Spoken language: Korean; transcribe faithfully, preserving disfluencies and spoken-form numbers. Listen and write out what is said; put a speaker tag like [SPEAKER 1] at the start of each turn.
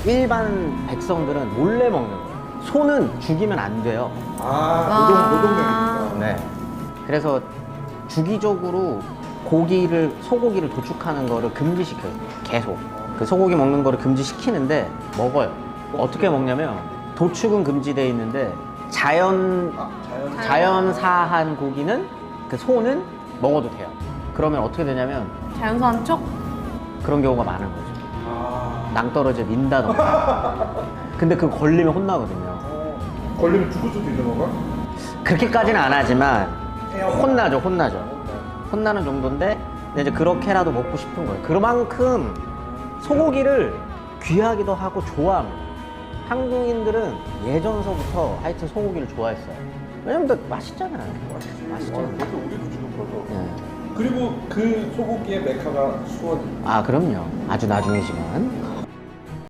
[SPEAKER 1] 일반 백성들은 몰래 먹는 거예요. 소는 죽이면 안 돼요.
[SPEAKER 2] 아, 노동, 노동력이니까.
[SPEAKER 1] 네. 그래서 주기적으로 고기를, 소고기를 도축하는 거를 금지시켜요. 계속. 그 소고기 먹는 거를 금지시키는데 먹어요. 어떻게 먹냐면 도축은 금지되어 있는데 자연,
[SPEAKER 2] 아, 자연.
[SPEAKER 1] 자연사한 고기는 그 소는 먹어도 돼요. 그러면 어떻게 되냐면
[SPEAKER 3] 자연사한 척?
[SPEAKER 1] 그런 경우가 많은 거죠.
[SPEAKER 2] 아.
[SPEAKER 1] 낭떠러지에 민다던가. 근데 그거 걸리면 혼나거든요.
[SPEAKER 2] 어, 걸리면 죽을 수도 있는 건가?
[SPEAKER 1] 그렇게까지는 안 하지만 혼나죠, 혼나죠. 혼나는 정도인데 근데 이제 그렇게라도 먹고 싶은 거예요. 그만큼 소고기를 귀하기도 하고 좋아합니다. 한국인들은 예전서부터 하여튼 소고기를 좋아했어요. 왜냐면 또 맛있잖아요.
[SPEAKER 2] 맛있지.
[SPEAKER 1] 맛있잖아요.
[SPEAKER 2] 아, 그것도 우리도 지금 커서.
[SPEAKER 1] 네.
[SPEAKER 2] 그리고 그 소고기의 메카가 수원.
[SPEAKER 1] 아, 그럼요. 아주 나중이지만.